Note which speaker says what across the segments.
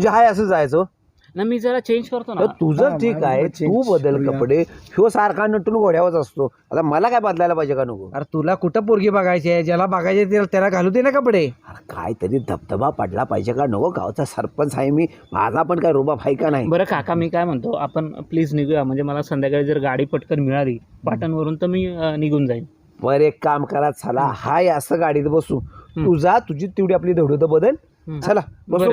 Speaker 1: म्हणजे हाय असं जायचं
Speaker 2: ना मी जरा चेंज करतो
Speaker 1: तर
Speaker 2: ना.
Speaker 1: तुझं ठीक आहे, तू बदल कपडे. ह्यो सारखा नटून घोड्यावरच असतो. आता मला काय बदलायला पाहिजे का नको?
Speaker 3: अरे तुला कुठं पोरगी बघायची आहे, ज्याला बघायचे त्याला घालू दे ना कपडे.
Speaker 1: अरे काहीतरी धबधबा पडला पाहिजे का नको? गावचा सरपंच आहे मी, माझा पण काय रुबाब आहे का नाही?
Speaker 2: बरं काका मी काय म्हणतो, आपण प्लीज निघूया. म्हणजे मला संध्याकाळी जर गाडी पटकन मिळाली पाटणवरून तर मी निघून जाईन.
Speaker 1: बरं एक काम करा, चला हाय असं गाडीत बसू. तू जा, तुझी तेवढी आपली धडवत बदल. चला बसू.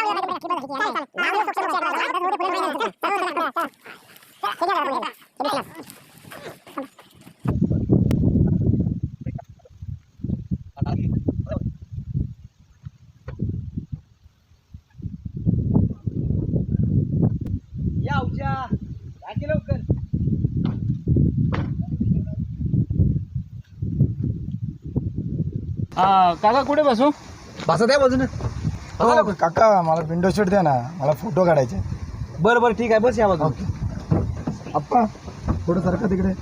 Speaker 2: काका कुठे बसू?
Speaker 1: बसा त्या बाजूने.
Speaker 4: काका मला विंडो सीट द्या ना, मला फोटो काढायचे.
Speaker 1: बरं बरं ठीक आहे, बस या बाजूने.
Speaker 4: अप्पा थोडं सारखं तिकडे.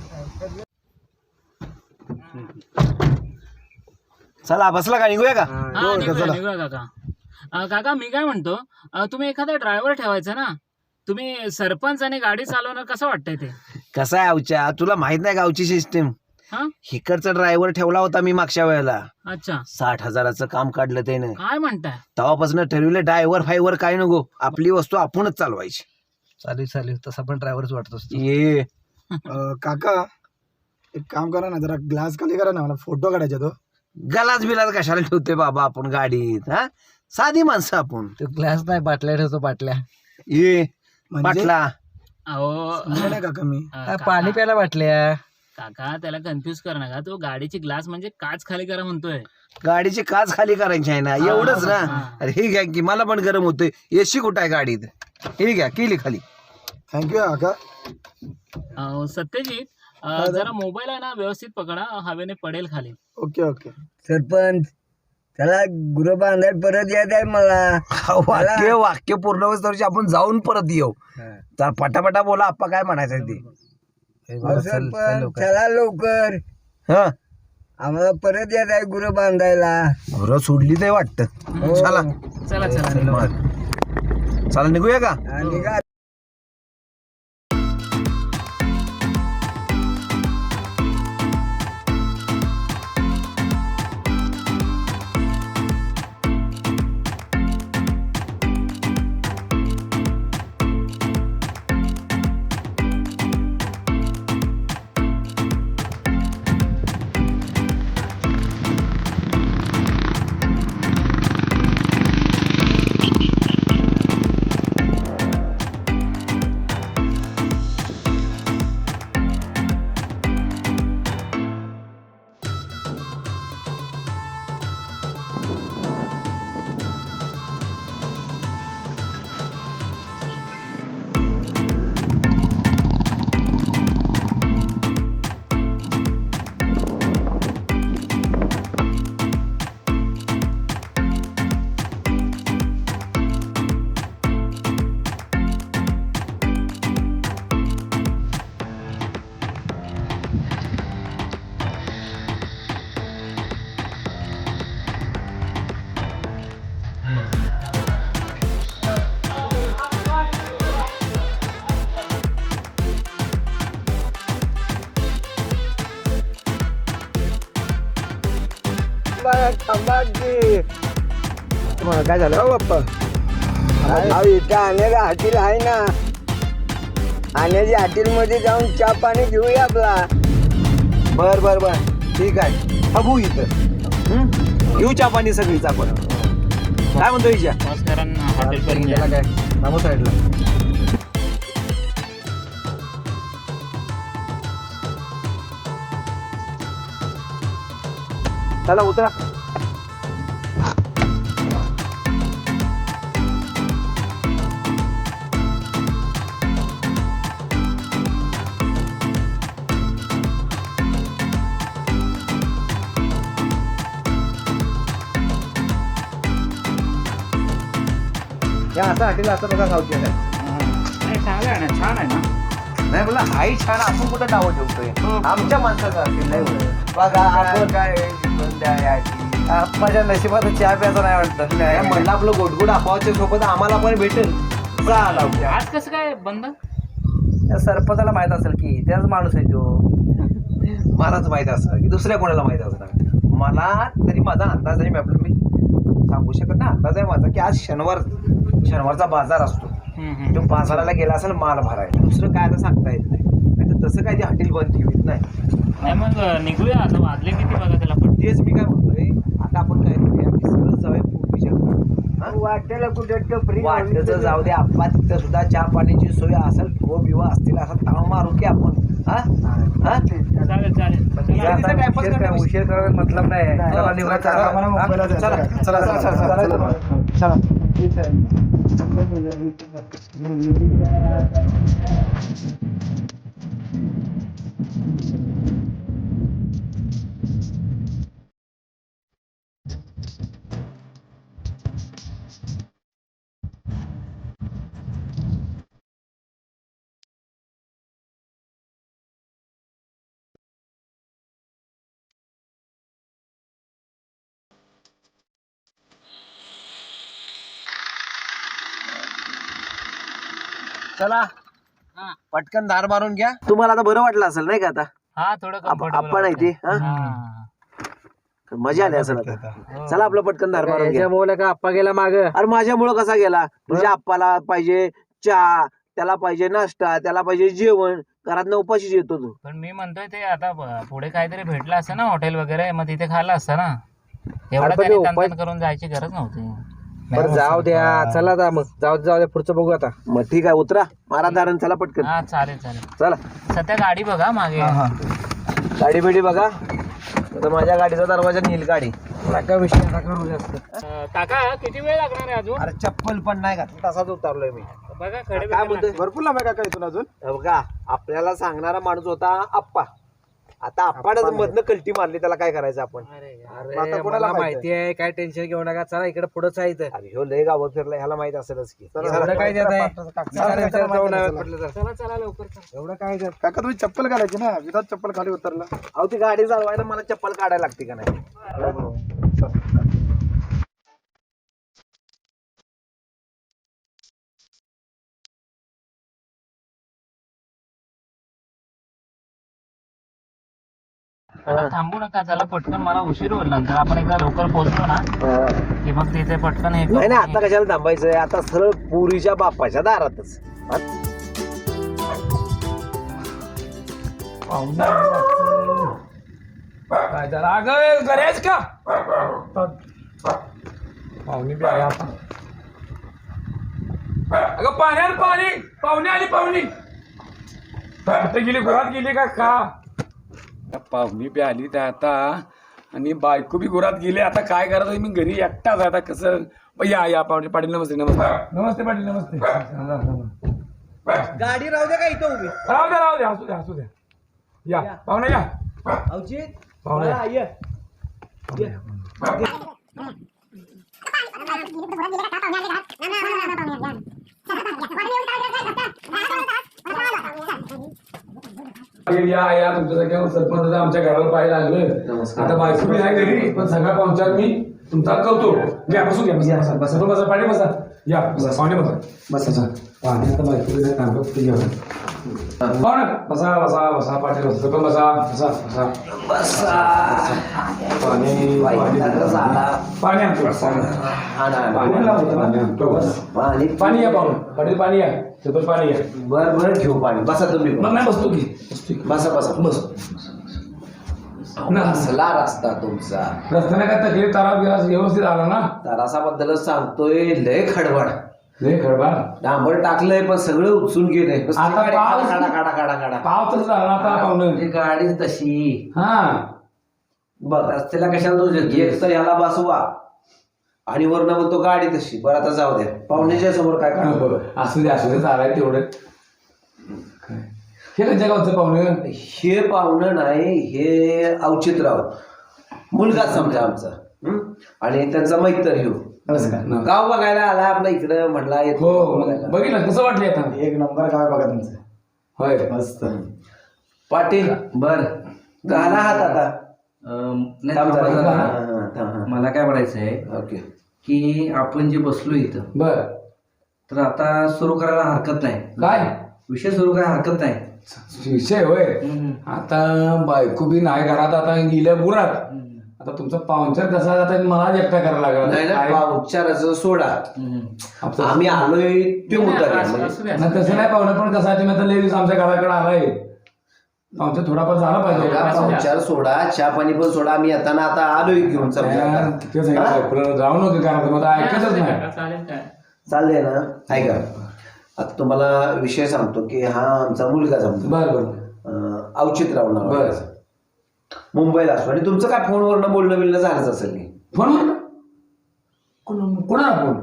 Speaker 1: चला बसला का, निघूया का?
Speaker 2: हा, निघूया काका. काका मी काय म्हणतो, तुम्ही एखादा ड्रायव्हर ठेवायचा ना. तुम्ही सरपंच आणि गाडी चालवणं कसं वाटतंय ते?
Speaker 1: कसं आहे अवच्या, तुला माहित नाही गावची सिस्टीम.
Speaker 2: हा
Speaker 1: हिकडचा ड्रायव्हर ठेवला होता मी मागच्या वेळेला.
Speaker 2: अच्छा
Speaker 1: 60,000चं काम काढलं त्याने.
Speaker 2: काय म्हणताय?
Speaker 1: तेव्हापासून ठरवलं ड्रायव्हर फायव्हर काय नको, आपली वस्तू आपणच चालवायची.
Speaker 3: चालेल तसा पण ड्रायव्हरच वाटतोस तू.
Speaker 1: ये
Speaker 4: काका एक काम करा ना, जरा ग्लास खाली करा ना, मला फोटो काढायचा. तो
Speaker 1: गलास बिलास कशाला ठेवते बाबा आपण गाडीत? हा साधी माणसं आपण.
Speaker 3: तो ग्लास नाही, बाटल्या ठेवतो, बाटल्या.
Speaker 1: ये
Speaker 4: म्हणजे
Speaker 1: बाटला.
Speaker 2: अहो
Speaker 4: समजलं नाही काका मी.
Speaker 3: पाणी प्यायला बाटल्या.
Speaker 2: काका त्याला कन्फ्युज कर नका. तो गाडीची ग्लास म्हणजे काच खाली करा म्हणतोय.
Speaker 1: गाडीची काच खाली करायची आहे ना, एवढंच ना. अरे हे घ्या की, मला पण गरम होतोय. एसी कुठं आहे गाडीत? हे घ्या, केली खाली.
Speaker 4: थँक्यू काका.
Speaker 2: सत्यजित जरा मोबाईल आहे ना व्यवस्थित पकडा, हवेने पडेल खाली.
Speaker 4: Okay okay.
Speaker 5: सरपंच त्याला गुरु बांधायला परत यायचं आहे मला.
Speaker 1: वाक्य पूर्ण होईस्तोवर आपण जाऊन परत येऊ. तर पटापटा बोला, आप्पा काय म्हणायचं ते.
Speaker 5: सरपंच चला लवकर,
Speaker 1: हा
Speaker 5: आम्हाला परत यायचं आहे गुरु बांधायला.
Speaker 1: घरं सोडली ते वाटतं. चला
Speaker 2: चला चला
Speaker 1: चला निघूया का?
Speaker 5: आणि का
Speaker 1: काय झालं
Speaker 5: बाप्पा इथं आणण्याला हॉटेल आहे ना, आणण्याच्या हॉटेलमध्ये जाऊन चहा पाणी घेऊया आपला.
Speaker 1: बर बर बर ठीक आहे, बघू इथं. घेऊ चहा पाणी सगळीच आपण. काय म्हणतो हिच्या?
Speaker 2: हॉटेल पर्यंत
Speaker 3: काय बाबू साईडला.
Speaker 1: चला उतरा. या असं हॉटेल असं बघा गावची आहे.
Speaker 2: चांगलं आहे ना, छान आहे ना.
Speaker 1: नाही बोला हाही छान, आपण कुठं नावं ठेवतोय. आमच्या माणसाचं हॉटेल नाही. बघा आपण काय
Speaker 3: माझ्या नशिबात चहा प्यायचा नाही वाटतं.
Speaker 1: नाही म्हणलं आपलं गोडगोड आपावाच्या सोबत आम्हाला पण भेटेल. चाला
Speaker 2: आज कसं काय बंद?
Speaker 3: त्या सरपंचाला माहित असेल की त्याच माणूस आहे तो.
Speaker 1: मलाच माहित असं की दुसऱ्या कोणाला माहित असणार. मला तरी माझा अंदाज आहे. मी सांगू शकत ना, अंदाज आहे माझा की आज शनिवारचा बाजार असतो. तो बाजाराला गेला असेल माल भरायला. दुसरं काय आता सांगता येत नाही. नाही तर तसं काय ते हॉटेल बंद ठेवीत नाही.
Speaker 2: मग निघूया आता. वाजले किती बघा त्याला पण.
Speaker 1: तेच मी काय म्हणतोय, आता आपण काय करूया की सरळ जाऊया पूर्वीच्या
Speaker 5: वाटेला कुठे टपरी
Speaker 1: वाटचं जाऊ दे. आप्पा तिथं सुद्धा चहा पाण्याची सोय असेल, बिवा असतील असा ताव मारू की आपण. हा हा
Speaker 2: चालेल चालेल.
Speaker 1: गाडीचा टाइमपास
Speaker 3: उशीर
Speaker 1: करण्यापेक्षा-
Speaker 3: उशीर करायला मतलब नाही. चला निघा, चला.
Speaker 4: आम्हाला मुंबईला जायचं.
Speaker 1: चला,
Speaker 4: चला चला चला चला चला.
Speaker 1: चला पटकन दार मारून घ्या. तुम्हाला आता बरं वाटलं असेल नाही का? आता
Speaker 2: हा थोडं
Speaker 1: आपण आहे ते हा? मजा आली असेल आता. चला आपलं पटकन दार मारून घ्या.
Speaker 3: याच्यामुळे का आप्पा गेला माग.
Speaker 1: अरे माझ्यामुळं कसा गेला? तुझ्या आप्पाला पाहिजे चहा, त्याला पाहिजे नाश्ता, त्याला पाहिजे जेवण. घरात उपाशीच येतो तू.
Speaker 2: पण मी म्हणतोय ते आता पुढे काहीतरी भेटलं असतं ना हॉटेल वगैरे, मग तिथे खाल्लं असतं ना. एवढं
Speaker 3: पण
Speaker 2: त्याने
Speaker 3: ते
Speaker 2: तणतण करून जायची गरज नव्हती.
Speaker 3: बरं जाऊ द्या. चला आता मग जाऊ द्या पुढचं बघू आता.
Speaker 1: मग ठीक आहे, उतरा मारा दारण. चला पटकन
Speaker 2: हा चालेल चालेल.
Speaker 1: चला.
Speaker 2: सध्या गाडी बघा मागे.
Speaker 1: गाडी बिडी बघा. तर माझ्या गाडीचा दरवाजा नील गाडी.
Speaker 3: नका विषय नका करू जास्त.
Speaker 2: काका किती वेळ लागणार आहे अजून?
Speaker 1: अरे चप्पल पण नाही घातली, तसाच उतरलोय मी.
Speaker 2: बघा खडे
Speaker 1: काय बोलतोय?
Speaker 4: भरपूर लांब आहे का इथून अजून?
Speaker 1: हे बघा, आपल्याला सांगणारा माणूस होता आप्पा. आता आप्पानच मधनं कल्टी मारली, त्याला काय करायचं आपण?
Speaker 3: अरे मला माहिती आहे, काय टेन्शन घेऊ नका. चला इकडे पुढंच आहे इथं.
Speaker 1: अरे ह्यो लय गावात फिरला, ह्याला माहित असेलच की.
Speaker 3: एवढं काय देत आहे?
Speaker 2: चला चला लवकर चला.
Speaker 4: एवढं काय ते? काका तुम्ही चप्पल घालायची ना, विदात चप्पल खाली उतरला.
Speaker 1: अहो ती गाडी चालवायला मला चप्पल काढायला लागते का नाही?
Speaker 2: थांबू नका. चला पटकन, मला उशीर होईल. नंतर आपण एकदा लवकर पोहोचलो ना की मग तिथे पटकन हे
Speaker 1: नाही नाही, आता कशाला थांबायचंय? आता सरळ पुरीच्या बापाच्या दारातच.
Speaker 3: काय झालं? अगं घरेच का पाहुणे बी आले आता. अगं पाण्यात पाणी. पाहुणे आली पाहुणी. कुठे गेली? घरात गेली का? पाहुणी बी आली त्या आता आणि बायको बी घरात गेली. आता काय करायचं? मी घरी एकटाच आहे आता. कसं? या पाहुणे. पाटील नमस्ते. नमस्ते पाटील. नमस्ते.
Speaker 1: गाडी राहू दे का इथं उभी?
Speaker 3: राहू द्या. असू द्या. या पाहुणे या. पाहुणे या. या तुमच्या सरपंच आमच्या घराला पाहायला लागलं. आता बायको बी आहे घरी, पण सगळा पाहुणचार मी तुमचा करतो. घ्या बसू. घ्या बसा. पाणी बसा. या पाहुणे बसा. पाणी आता बायको बी काम करतो. घ्या पाहुणे बसा. पाणी बसा. पण बसा. पाणी पाणी या पाहुणे. पाटील पाणी या. सरपंच पाणी या.
Speaker 1: बरं घेऊ पाणी. बसा तुम्ही.
Speaker 3: मग नाही बसतो की.
Speaker 1: बस. असला रस्ता तुमचा.
Speaker 3: रस्त्याने काय तकलीफ तारा व्यवस्थित आला ना?
Speaker 1: तरासाबद्दलच सांगतोय. लय खडबड.
Speaker 3: लय खडबड.
Speaker 1: डांबर टाकलंय पण सगळं उचलून गेलंय.
Speaker 3: आता पाऊस-
Speaker 1: काढा.
Speaker 3: पाव तसं झाला आता पाहुणं.
Speaker 1: गाडीच तशी.
Speaker 3: हा
Speaker 1: बघ रस्त्याला कशाला तो एक तर याला बसवा आणि वरनं म्हणतो गाडी तशी. बरं आता जाऊ द्या. पाहुण्याच्या समोर काय काढ.
Speaker 3: असू दे चालाय तेवढं. हे कोणत्या गावचं पाहुणं?
Speaker 1: हे पाहुणं नाही, हे अवचितराव मुलगाच समजा आमचा. आणि त्यांचा मैत्र घेऊ. गाव बघायला आला आपल्या इकडं. म्हटला
Speaker 3: हो बघितलं कसं वाटलं आता?
Speaker 4: एक नंबर काय बघा तुमचं.
Speaker 3: होय
Speaker 4: मस्त.
Speaker 1: पाटील बर घाला हात आता. हा.
Speaker 6: मला काय म्हणायचं आहे
Speaker 1: ओके.
Speaker 6: की आपण जे बसलो इथं
Speaker 3: बर
Speaker 6: तर आता सुरू करायला हरकत नाही.
Speaker 3: काय
Speaker 6: विषय सुरू करायला हरकत नाही.
Speaker 3: विषय होय आता बायको बी नाही घरात, आता गेल्या गुरात. आता तुमचा पाहुणचार कसा आता मला एकटा करायला
Speaker 1: नाही ना,
Speaker 3: लागला.
Speaker 1: उपचाराचं सोडा.
Speaker 3: आपलं-
Speaker 1: आम्ही आलोय ते मुद्दा घ्या.
Speaker 2: असू
Speaker 1: म्हणजे
Speaker 2: द्या,
Speaker 3: नाही तसं नाही पाहुणं, पण कसं आहे तुम्ही आता लेडीज आमच्या घराकडे आलाय, पाहुणचार थोडाफार झाला पाहिजे.
Speaker 1: उपचार सोडा, चहा पाणी पण सोडा. आम्ही येताना आता आलोय घेऊन समजा.
Speaker 3: ते सांगितलं बायकोला जाऊ नको घरात, मग आता ऐकतच नाही.
Speaker 2: चालेल काय
Speaker 1: चाललंय ना. ऐका, आता तुम्हाला विषय सांगतो की हा आमचा मुलगा जमतो.
Speaker 3: बर बर
Speaker 1: औचित्यराव नाव
Speaker 3: बर.
Speaker 1: आहे. मुंबईला असतो. आणि तुमचं काय फोनवरनं बोलणं बिलणं झालंच असेल की
Speaker 3: फोन कोणाला फोन?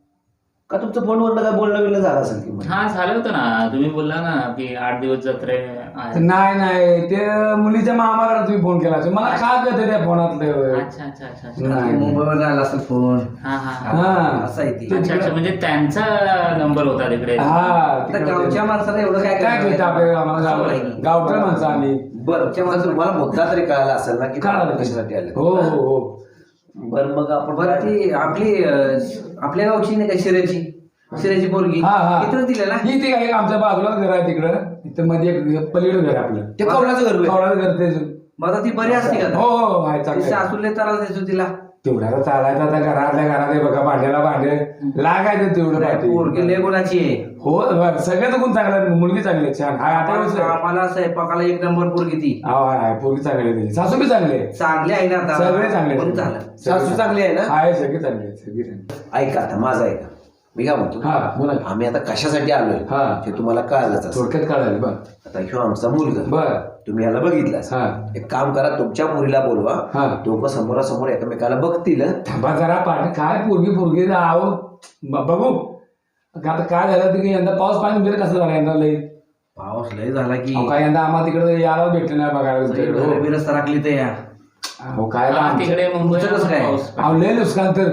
Speaker 1: का तुमचं फोनवरनं काय बोलणं बिलणं झालं असेल की
Speaker 2: हा झालं होतं ना, तुम्ही बोलला ना की 8 दिवस जत्रे आहे.
Speaker 3: नाही ते मुलीच्या मामाकडे तुम्ही फोन केला असेल. मला काय कळतं त्या फोनातलं.
Speaker 2: अच्छा अच्छा अच्छा अच्छा.
Speaker 3: नाही.
Speaker 6: मुंबईवर आला असेल फोन.
Speaker 2: हा हा हा.
Speaker 3: हा
Speaker 6: असं आहे ते.
Speaker 2: अच्छा अच्छा, म्हणजे त्यांचा नंबर होता तिकडे.
Speaker 3: हा
Speaker 6: आता गावच्या माणसाला एवढं काय
Speaker 3: काय कळतं आपल्याला, आम्हाला गावठे माणसं आम्ही.
Speaker 1: बरं. तुम्हाला मुद्दा तरी कळाला असेल ना की
Speaker 3: कळालं.
Speaker 1: कशासाठी आले.
Speaker 3: हो हो हो.
Speaker 1: बरं मग आपण
Speaker 6: बरं ती आपली आपल्या गावची नाही का शिऱ्याची पोरगी
Speaker 3: हा हा
Speaker 6: इथं दिलेला.
Speaker 3: ही ते काय आमच्या बाजूलाच घर आहे तिकडं, इथं मध्ये एक पलीकडे घर आहे आपलं.
Speaker 1: ते कवलाचं घर होय.
Speaker 3: कवळाचं घर तेच.
Speaker 6: मग आता ती बरी असते का?
Speaker 3: हो हो आहे चांगलं आहे.
Speaker 6: सासूले त्रास द्यायचो तिला.
Speaker 3: तेवढ्याला चालायचं आता घरातल्या घरात आहे बघा, भांड्याला भांडे लागायचं तेवढं पाठी.
Speaker 6: पोरगी लय गुणाची आहे.
Speaker 3: हो बरं, सगळ्याच गुण चांगला आहे. मुलगी चांगली आहे, छान आहे. आता व्यवस्थित आहे.
Speaker 6: आम्हाला स्वयंपाकाला 1 नंबर पोरगी ती.
Speaker 3: हा आहे, पोरगी चांगली आहे त्याची. सासू बी चांगली आहे.
Speaker 6: चांगली आहे ना आता.
Speaker 3: सगळे चांगले
Speaker 6: पण
Speaker 3: आहेत.
Speaker 6: झालं.
Speaker 1: सासू चांगली आहे ना.
Speaker 3: आहे, सगळे चांगले आहेत, सगळे चांगले.
Speaker 1: ऐका आता माझं ऐका. मी काय म्हणतो,
Speaker 3: हा बोला.
Speaker 1: आम्ही आता कशासाठी आलोय
Speaker 3: हा
Speaker 1: हे तुम्हाला कळालंच असेल.
Speaker 3: थोडक्यात काढायला बर
Speaker 1: आता ह्यो आमचा मुलगा,
Speaker 3: बर.
Speaker 1: तुम्ही याला बघितला.
Speaker 3: हा
Speaker 1: एक काम करा, तुमच्या मुलीला बोलवा.
Speaker 3: हा
Speaker 1: दोघं समोरासमोर एकमेकाला बघतील.
Speaker 3: थांबा जरा पाठी. काय पोरगी आहो बघू. आता काय झालं की यंदा पाऊस पाणी तुमच्याकडे कसं झालं यंदा लई?
Speaker 6: पाऊस लय झाला की
Speaker 3: अहो, काय यंदा आम्हाला तिकडे यायला भेटलं नाही बघायला तुमच्याकडे. हो.
Speaker 6: बिरस राखली तर या.
Speaker 3: अहो काय
Speaker 2: हा, तिकडे मुंबईला
Speaker 6: तुमचं कसं काय?
Speaker 2: पाऊस.
Speaker 3: अहो लय नुकसान तर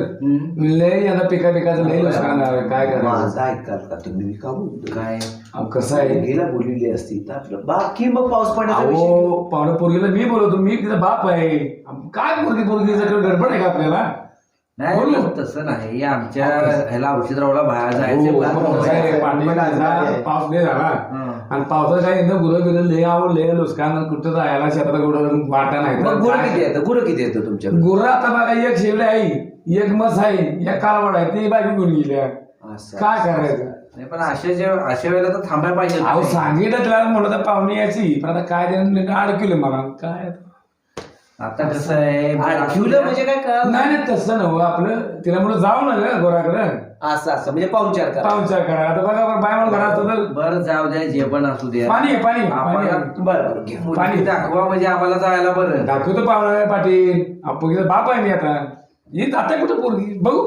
Speaker 3: लय यंदा पिकाचं लय नुकसान झालं. काय करायचं?
Speaker 1: माझं ऐकाल का तुम्ही? मी का बोलतो
Speaker 6: काय
Speaker 3: अहो कसं आहे,
Speaker 1: गेला बोललेली असती तर आपलं बाकी मग पाऊस पडण्याचा विषय.
Speaker 3: अहो पाहुणे पोरगीला मी बोलवतो, मी तिचा बाप आहे. काय पोरगी सगळं गडबड आहे का आपल्याला?
Speaker 6: नाही
Speaker 3: बोलू.
Speaker 6: तसं नाही. आमच्या ह्याला औषधरावला बाहेर जायचं.
Speaker 3: हो, पण कसं आहे, पाणी झाला, पाऊस लय झाला
Speaker 6: हं.
Speaker 3: आणि पावसात काय एकदा गुरं बिरं लय आवड लय नुकसान, कुठं जायला शेतात गुरं वाटा नाही.
Speaker 1: मग गुरं किती येतं? गुरं किती येतं तुमच्याकडे?
Speaker 3: गुरं आता बघा, एक शेवले आहे, एक मस आहे, एक कालवड आहे, ती बाकी गुरं गेल्या.
Speaker 1: असं.
Speaker 3: काय करायचं?
Speaker 6: नाही पण अशा वेळेला तर थांबायला पाहिजे.
Speaker 3: अहो सांगितलं तिला म्हणलं तर पाहुणे यायची, पण आता काय त्यानं अडकलं मला. काय
Speaker 6: आता कसं आहे
Speaker 1: ठेवलं म्हणजे काय कळालं?
Speaker 3: नाही नाही तसं नव्ह, आपलं तिला म्हणलं जाऊ ना ग गोराकडं
Speaker 1: असं असं म्हणजे पाहुणचार करा.
Speaker 3: पाहुणचार करा. आता बघा बरं, बाय मला घरात तर
Speaker 6: बरं जाऊ द्या, जे पण असू द्या.
Speaker 3: पाणी आहे, पाणी आहे, पाणी
Speaker 6: आपण
Speaker 3: आहे.
Speaker 1: बरं बरं घे.
Speaker 6: मुलगी दाखवा म्हणजे आम्हाला जायला बरं.
Speaker 3: दाखवतो पाहुणा पाटील, आपण बाप आहे मी आता. येत आता कुठं पोरगी बघू.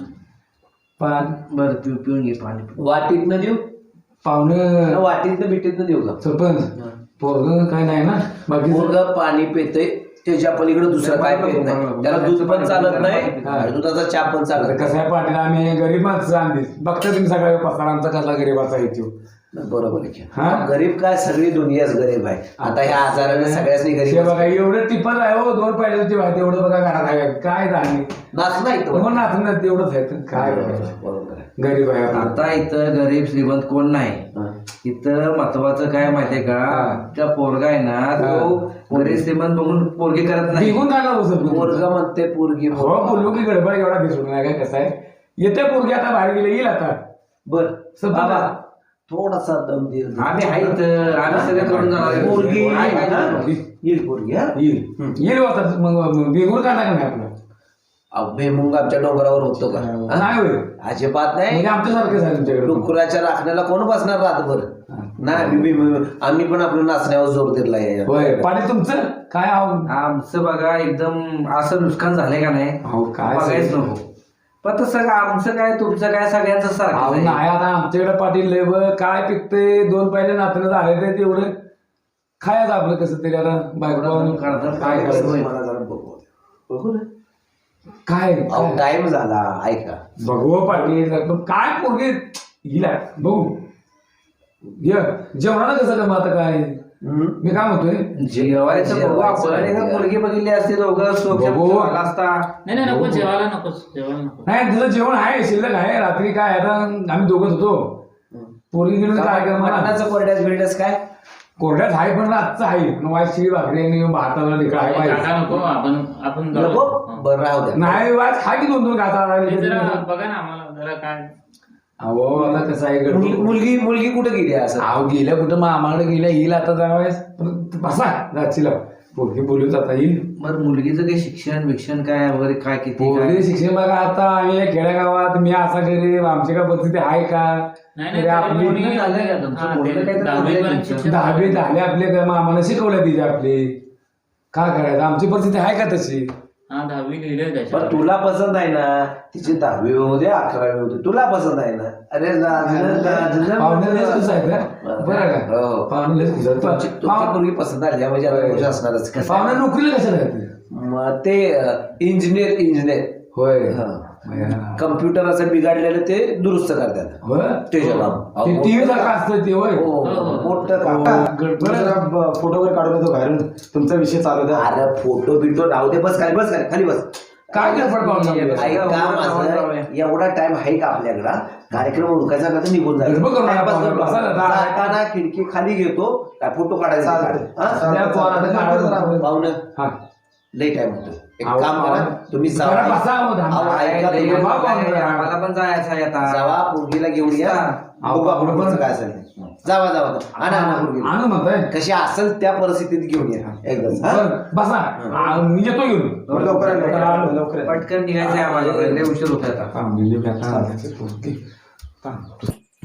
Speaker 3: पण
Speaker 6: बरं पिऊन घे पाणी.
Speaker 1: वाटीतनं देऊ?
Speaker 3: पाहुणं
Speaker 1: वाटीतनं बिटीतनं देऊ का?
Speaker 3: सरपंच पोरग काय नाही ना बाकी.
Speaker 1: मुलगा पाणी पितय, त्याच्या पलीकडे दुसरं काय पित नाही. त्याला दूध पण चालत नाही आणि दुधाचा चहा पण चालत नाही.
Speaker 3: कसं आहे पाटील, आम्ही गरीब माणसं आणली. बघता तुम्ही सगळ्या पसारांचा कसला गरीबाचा येतो.
Speaker 1: बरोबर आहे की.
Speaker 3: हा?
Speaker 1: गरीब काय, सगळी दुनियाच गरीब आहे. आता ह्या आजाराने सगळ्यासनी
Speaker 3: हे
Speaker 1: गरीब
Speaker 3: बघा एवढं टिपल आहे हो, 2 पाहिजे माहिती एवढं बघा घरात आहे. काय झाले
Speaker 1: नाच नाही तो.
Speaker 3: मग नाचून तेवढंच आहे तर काय करायचं?
Speaker 1: बरोबर आहे.
Speaker 3: गरीब आहे आपण.
Speaker 6: आता इथं गरीब श्रीमंत कोण नाही.
Speaker 1: हा.
Speaker 6: इथं महत्वाचं काय माहितीये का, त्या पोरगा आहे ना तो गरीब श्रीमंत बघून पोरगी करत नाही.
Speaker 3: निघून काय लावू सर
Speaker 1: पोरगा म्हणते पोरगी.
Speaker 3: हो बोललो की गडबड एवढा दिसून नाही काय. कसं आहे, येते पोरगी आता बाहेर गेले येईल आता.
Speaker 1: बर
Speaker 3: बाबा,
Speaker 1: थोडासा दम दे.
Speaker 6: आम्ही आहे इथं, आम्ही सगळं करून जाणार आहे.
Speaker 1: पोरगी
Speaker 6: आहे, आहे ना?
Speaker 1: येईल पोरगी. हा
Speaker 3: येईल आता. मग बेगून का नाही आपलं
Speaker 1: भुईमुंग आमच्या डोंगरावर होतो का? हा?
Speaker 3: नाही होईल
Speaker 1: अजिबात नाही.
Speaker 3: म्हणजे आमच्यासारखेच आहे तुमच्याकडे.
Speaker 1: डुकराच्या राखण्याला कोण बसणार रातभर? नाही आम्ही पण आपल्या नाचण्यावर जोर दिलाय.
Speaker 3: होय पाटील तुमचं काय आहो?
Speaker 6: आमचं बघा एकदम असं नुकसान झालंय का नाही
Speaker 3: अहो काय
Speaker 6: बघायच नको. पण तसं आमचं काय तुमचं काय सगळ्यांचं
Speaker 3: अहो
Speaker 6: सारखं आहे.
Speaker 3: नाही आता आमच्याकडे पाटील लय बघ काय पिकते. 2 पाहिजे नातनं झाले ते तेवढं खायचं आपलं कसं तरी. आता बायको काय करायचं?
Speaker 1: मला जरा बघू ना.
Speaker 3: काय
Speaker 1: अहो टाइम झाला. ऐका
Speaker 3: बघू पाटील, पण काय पोरगे हिला बघू. जेवणाला कसं का मग आता काय मी काय म्हणतोय
Speaker 6: जेवायचं बघू आपण आणि का मुलगी बघितली असते दोघं
Speaker 3: बघू.
Speaker 6: झाला असता.
Speaker 2: नाही नको जेवायला नकोच जेवायला नको.
Speaker 3: नाही तिचं जेवण आहे शिल्लक आहे रात्री काय आता आम्ही दोघंच होतो पोरगी गेलो काय करणार
Speaker 1: मटणाचं कोरड्यास बिरड्यास काय
Speaker 3: कोरड्यात आहे पण आजचं आहे वाईट शिळी भाकरी आणि भाताला ढेकळा आहे पाहिजे.
Speaker 2: काका नको आपण जाऊ.
Speaker 1: नको
Speaker 2: हा.
Speaker 1: बरं राहू द्या
Speaker 3: नाही वाज खा की दोन घाता
Speaker 2: ते जरा बघा ना आम्हाला जरा काय
Speaker 3: अहो आता कसं आहे गडबड.
Speaker 1: मुलगी कुठं गेली आहे असं
Speaker 3: अहो गेल्या कुठं मामाकडे गेल्या येईल आता जावायस बसा जाचीला पोरगी बोलून जाता येईल
Speaker 6: बरं मुलगीचं काही शिक्षण काय वगैरे काय किती काय
Speaker 3: पोरगी शिक्षण बघा आता आम्ही या खेड्यागावात मी असा गरीब आमची काय परिस्थिती आहे का
Speaker 2: नाही
Speaker 3: तरी
Speaker 2: नाही
Speaker 3: आपली
Speaker 2: कोणी-
Speaker 6: झालंय का तुमचं?
Speaker 2: हा,
Speaker 6: बोलणं
Speaker 2: ते
Speaker 6: काहीतरी
Speaker 2: दहावी
Speaker 6: झालंय
Speaker 2: पर्यंत
Speaker 6: तुमचं?
Speaker 2: शिक्षण.
Speaker 3: 10वी झाले आपले काय आम्हाला शिकवल्या तिथे आपले काय करायचं आमची परिस्थिती आहे का तशी
Speaker 2: हा 10वी लिहिलंय
Speaker 1: पण
Speaker 2: त्याच्यावर.
Speaker 1: तुला पसंत आहे ना तिची 10वी होऊ दे 11वी होऊ दे तुला पसंत आहे ना अरे
Speaker 3: पाहुणे लयच खुश आहेत ना बरं का
Speaker 1: हो.
Speaker 3: पाहुणे लयच खुश आहेत
Speaker 1: तुमची मुलगी पसंत आली म्हणजे आता खुश असणारच कसं
Speaker 3: पाहुणे नोकरीला कशाला आहेत
Speaker 1: मग ते इंजिनियर
Speaker 3: होय
Speaker 1: कम्प्युटर असं बिघडलेलं ते दुरुस्त करतात
Speaker 3: होय
Speaker 1: ते जबाब
Speaker 3: ते टीव्ही सारखं असतं ते होय
Speaker 1: हो, मोठं काम.
Speaker 4: फोटो वगैरे काढून येतो बाहेरून तुमचा विषय चालू द्या.
Speaker 1: अरे फोटो बिटो राहू दे बस खाली बस
Speaker 3: काय गडबड पाहुणे
Speaker 1: ऐका माझं एवढा टाइम आहे का आपल्याकडं कार्यक्रम उरकायचा का तर निघून
Speaker 3: गडबड करू नका,
Speaker 1: जायचं
Speaker 3: पाहुणे. बसा ना, जा.
Speaker 1: जाताना खिडकी खाली घेतो काय फोटो काढायचा
Speaker 4: चालतंय.
Speaker 1: हा?
Speaker 3: त्या पोराचं काढायचं.
Speaker 1: पाहुणं
Speaker 3: हा
Speaker 1: लई टाइम होतो एक
Speaker 3: अहो,
Speaker 1: काम करा तुम्ही
Speaker 3: जरा
Speaker 1: जावा
Speaker 3: बसा हो, धाम.
Speaker 1: अहो, ऐका
Speaker 6: लय
Speaker 1: तुम्ही.
Speaker 6: वेळ झालाय, आम्हाला पण जायचं आहे आता
Speaker 1: जावा पोरगीला घेऊन या
Speaker 3: अहो,
Speaker 1: बघू आपण
Speaker 3: बरोबर.
Speaker 1: पुढचं काय असेल ते. जावा आणा पोरगीला
Speaker 3: आणू म्हणताय
Speaker 1: कशी असेल त्या परिस्थितीत घेऊन या एकदाच हा?
Speaker 3: बरं, बसा मी येतो घेऊन
Speaker 4: लवकर या.
Speaker 6: पटकन निघायचं आहे माझ्याकडे लय उशीर होत आता
Speaker 3: थांबलेली व्यथा आणायची पोरगी. थांब.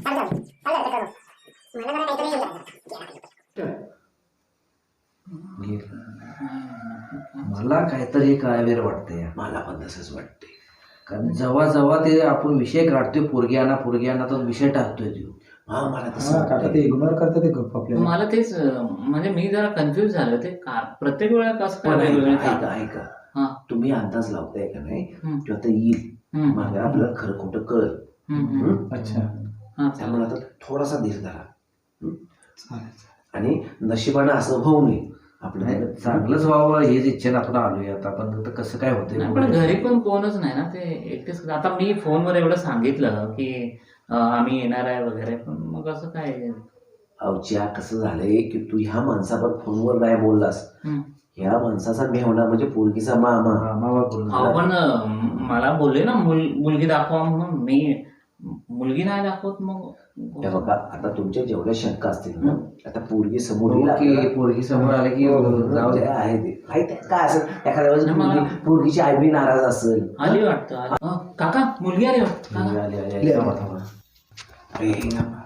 Speaker 6: मला काहीतरी काळवेर वाटतंय
Speaker 1: मला पण तसंच वाटते
Speaker 6: कारण जेव्हा जेव्हा ते आपण विषय काढतोय पोरगी आणा तर विषय टाकतोय तो
Speaker 1: हा मला तसं
Speaker 4: हा, काका
Speaker 1: वाटतंय.
Speaker 4: ते इग्नोर करतात ते गप्प आपल्याला.
Speaker 2: मला तेच म्हणजे मी जरा कन्फ्युज झालो ते का प्रत्येक वेळा कसं काय
Speaker 1: पण
Speaker 2: वेगवेगळे
Speaker 1: ऐका
Speaker 2: का?
Speaker 1: ऐका
Speaker 2: हा.
Speaker 1: तुम्ही अंदाज लावताय का नाही
Speaker 2: हम्म.
Speaker 1: तो आता येईल
Speaker 2: हम्म.
Speaker 1: मागे आपल्याला खरं खोटं कळ
Speaker 2: हम्म.
Speaker 4: अच्छा
Speaker 2: हा,
Speaker 1: त्यामुळे आता थोडासा धीर धरा
Speaker 4: चालेल.
Speaker 1: आणि नशिबानं असं होऊ नये आपलं
Speaker 6: नाही, चांगलंच व्हावं हेच इच्छेनं आपण आलोय आता पण आता कसं काय
Speaker 2: नाही, पण
Speaker 6: होतंय
Speaker 2: घरी पण कोणच नाही ना ते एकटेच आता मी फोनवर एवढं सांगितलं की आम्ही येणार आहे वगैरे पण मग असं काय
Speaker 1: अवच्या कसं झालंय की तू ह्या माणसावर फोनवर नाही बोललास
Speaker 2: हम्म.
Speaker 1: ह्या माणसाचा मेहणा म्हणजे पोरगीचा मामा
Speaker 2: अहो पण मला बोलले ना मुलगी दाखवा म्हणून मी मुलगी नाही दाखवत मग
Speaker 1: हे बघा आता तुमच्या जेवढ्या शंका असतील ना आता पोरगी समोर येईल
Speaker 6: की
Speaker 1: आपल्याला.
Speaker 6: पोरगी समोर आले की
Speaker 1: जाऊ द्या आहे ते माहिती आहे काय असेल एखाद्या वेळेस
Speaker 2: नाही, मला-
Speaker 1: पोरगीची आई बी नाराज असेल
Speaker 2: आली वाटतं काका मुलगी आली वाटतं
Speaker 1: आली,
Speaker 2: काका.
Speaker 1: आली, आली, आली. थांबा, थांबा. अरे, थांबा.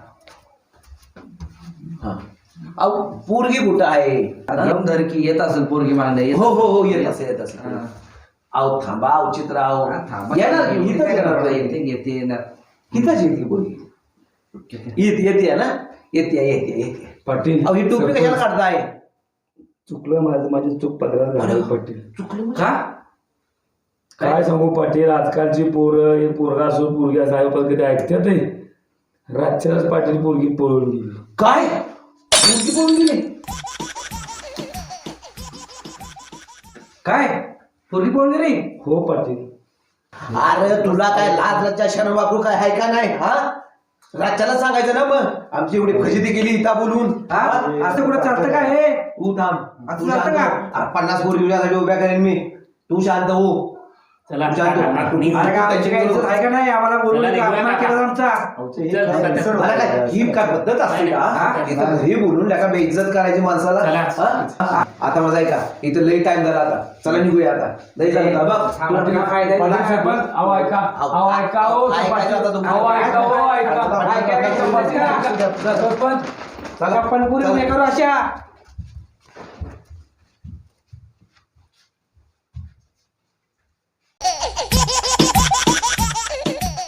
Speaker 1: हा अहो पोरगी कुठं आहे
Speaker 6: घेऊन धर की येत असेल पोरगी मागण्या
Speaker 1: हो हो हो येत असेल येत असेल अहो थांबा अवचित राव येणार की? इथंच येणार नाही.
Speaker 6: येते येणार
Speaker 1: इथंच येते पोरगी येते ना येते
Speaker 3: पाटील
Speaker 1: अहो ही टोपी कशाला काढताय
Speaker 3: चुकलं माझी चूक पदरात झाली पाटील
Speaker 1: चुकलं
Speaker 6: का
Speaker 3: काय सांगू पाटील आजकालची पोरं हे पोरगा असो पोरगी असो आहे पण कधी ऐकतात नाही रातच्याच पाटील पोरगी पळून गेली
Speaker 1: काय पोरगी पळून गेली
Speaker 6: काय पोरगी पळून गेली
Speaker 3: हो पाटील
Speaker 1: अरे तुला काय लाज लज्जा शरम वापरू काय आहे का नाही हा राज्याला सांगायचं ना मग आमची एवढी फजिती केली इथं बोलून
Speaker 6: हा? असं कुठं चालतं का हे
Speaker 1: तू थांब
Speaker 6: असं
Speaker 1: तू
Speaker 6: चालतं
Speaker 1: शांत हो. 50 पोरी तुझ्यासाठी उभ्या करेन मी तू शांत हो
Speaker 2: चला
Speaker 1: तू शांत हो.
Speaker 6: अरे का आमची काही इज्जत आहे का नाही आम्हाला बोलू
Speaker 2: चला,
Speaker 6: नका,
Speaker 2: निघूया
Speaker 6: अपमान
Speaker 2: नका.
Speaker 6: केला आमचा
Speaker 2: चल,
Speaker 1: मला काय ही काय पद्धत असते का
Speaker 6: हा?
Speaker 1: इथं घरी बोलून नका बेइज्जत करायची माणसाला
Speaker 2: चला.
Speaker 1: हा? आता माझा ऐका इथं लई टाइम झाला आता चला निघूया आता लई झालं आता. बघ
Speaker 6: थांबा, तुला फायदा आहे.
Speaker 3: पाटील सरपंच अहो ऐका अहो ऐका हो
Speaker 1: ऐकायचं आता तुमचं.
Speaker 3: अहो ऐका हो ऐका
Speaker 1: आता
Speaker 3: ऐका, ऐका,
Speaker 1: ऐका.
Speaker 3: सरपंच
Speaker 1: चला.
Speaker 6: आपण पुरी करू अशा